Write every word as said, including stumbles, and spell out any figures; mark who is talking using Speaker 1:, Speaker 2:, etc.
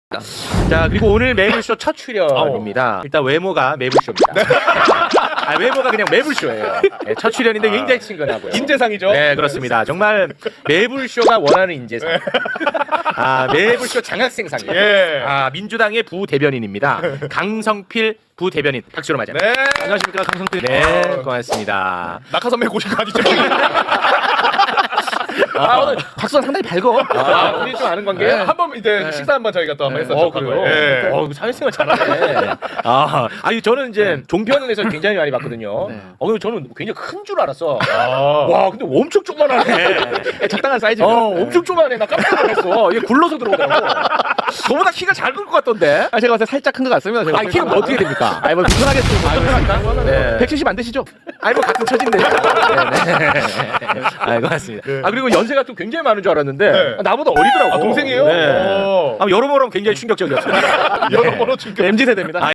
Speaker 1: 자, 그리고 오늘 매불쇼 첫 출연입니다. 일단 외모가 매불쇼입니다. 아, 외모가 그냥 매불쇼예요. 네, 첫 출연인데 굉장히 친근하고요.
Speaker 2: 인재상이죠?
Speaker 1: 네, 그렇습니다. 정말 매불쇼가 원하는 인재상. 아, 매불쇼 장학생상이에요.
Speaker 2: 예.
Speaker 1: 아, 민주당의 부대변인입니다. 강성필 부대변인. 박수로 맞아요.
Speaker 2: 네.
Speaker 1: 안녕하십니까, 강성필. 네, 고맙습니다.
Speaker 2: 낙하 선배 고신 거 아니죠?
Speaker 1: 아, 오늘 박수가 상당히 밝어. 아, 우리 좀 아는 관계?
Speaker 2: 네. 한번 이제 식사 한번 저희가 또 한번 했었죠.
Speaker 1: 어, 그래요?
Speaker 2: 예.
Speaker 1: 어, 사회생활 잘하네. 아, 아니, 저는 이제 종편에서 굉장히 많이 봤거든요.
Speaker 3: 네.
Speaker 1: 어, 근데 저는 굉장히 큰 줄 알았어.
Speaker 2: 아.
Speaker 1: 와, 근데 엄청 조그만하네.
Speaker 3: 적당한 사이즈.
Speaker 1: 어, 엄청 조그만해. 나 깜짝 놀랐어. 얘 굴러서 들어오더라고. 저보다 키가 잘 클 것 같던데.
Speaker 3: 아, 제가 봤을 때 살짝 큰 것 같습니다. 제가
Speaker 1: 아, 키가 뭐 어떻게 됩니까?
Speaker 3: 아니, 뭐 불편하겠습니다.
Speaker 1: 아, 불편할까? 네.
Speaker 3: 백칠십 안 되시죠?
Speaker 1: 아니, 뭐 같은 처진데. 네, 네. 아, 고맙습니다. 아, 그리고 연세가 또 굉장히 많은 줄 알았는데
Speaker 2: 네.
Speaker 1: 나보다 어리더라고.
Speaker 2: 아, 동생이에요?
Speaker 1: 네.
Speaker 2: 오.
Speaker 1: 아, 여러모로 굉장히 충격적이었어요.
Speaker 2: 여러모로 충격.
Speaker 3: 엠지 세대입니다.
Speaker 1: 아,